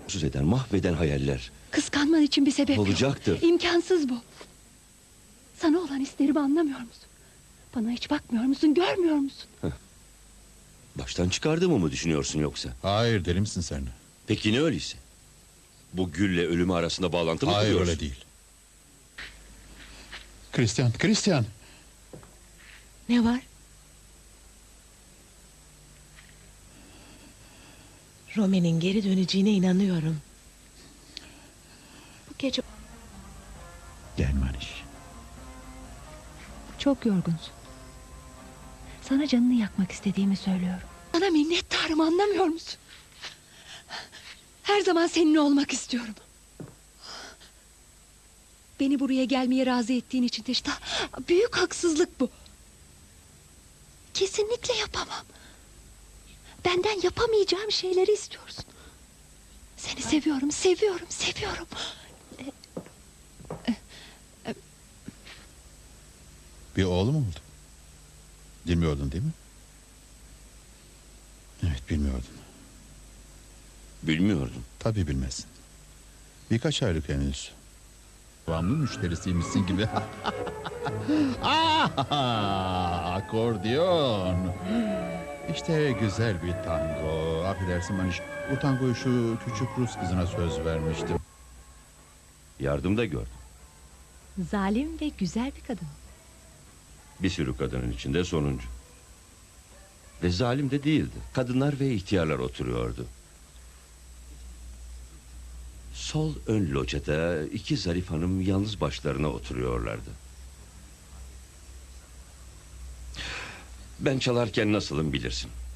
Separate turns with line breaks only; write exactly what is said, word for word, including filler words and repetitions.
Mutsuz eden, mahveden hayaller.
Kıskanman için bir sebep yok.
Olacaktır.
İmkansız bu. Sana olan isterimi anlamıyor musun? Bana hiç bakmıyor musun, görmüyor musun?
Baştan çıkardığımı mı düşünüyorsun yoksa?
Hayır, deli misin sen?
Peki ne öyleyse? Bu gülle ölümü arasında bağlantı mı
Hayır,
kuruyorsun?
öyle değil. Christian, Christian.
Ne var?
Rome'nin geri döneceğine inanıyorum. Bu gece
Gel Maniş.
Çok yorgunsun. Sana canını yakmak istediğimi söylüyorum. Sana minnettarım, anlamıyor musun? Her zaman seninle olmak istiyorum. Beni buraya gelmeye razı ettiğin için de işte büyük haksızlık bu. Kesinlikle yapamam. Benden yapamayacağım şeyleri istiyorsun. Seni seviyorum, seviyorum, seviyorum.
Bir oğlum oldu. Bilmiyordun değil mi? Evet, bilmiyordun.
Bilmiyordum.
Tabii bilmezsin. Birkaç aylık henüz. Devamlı müşterisiymişsin gibi. Ah, akordeon. İşte güzel bir tango. Affedersin Maniş. Bu tangoyu şu küçük Rus kızına söz vermiştim.
Yardım da gördüm.
Zalim ve güzel bir kadın.
Bir sürü kadının içinde sonuncu. Ve zalim de değildi. Kadınlar ve ihtiyarlar oturuyordu. Sol ön locada iki zarif hanım yalnız başlarına oturuyorlardı. Ben çalarken nasılım bilirsin.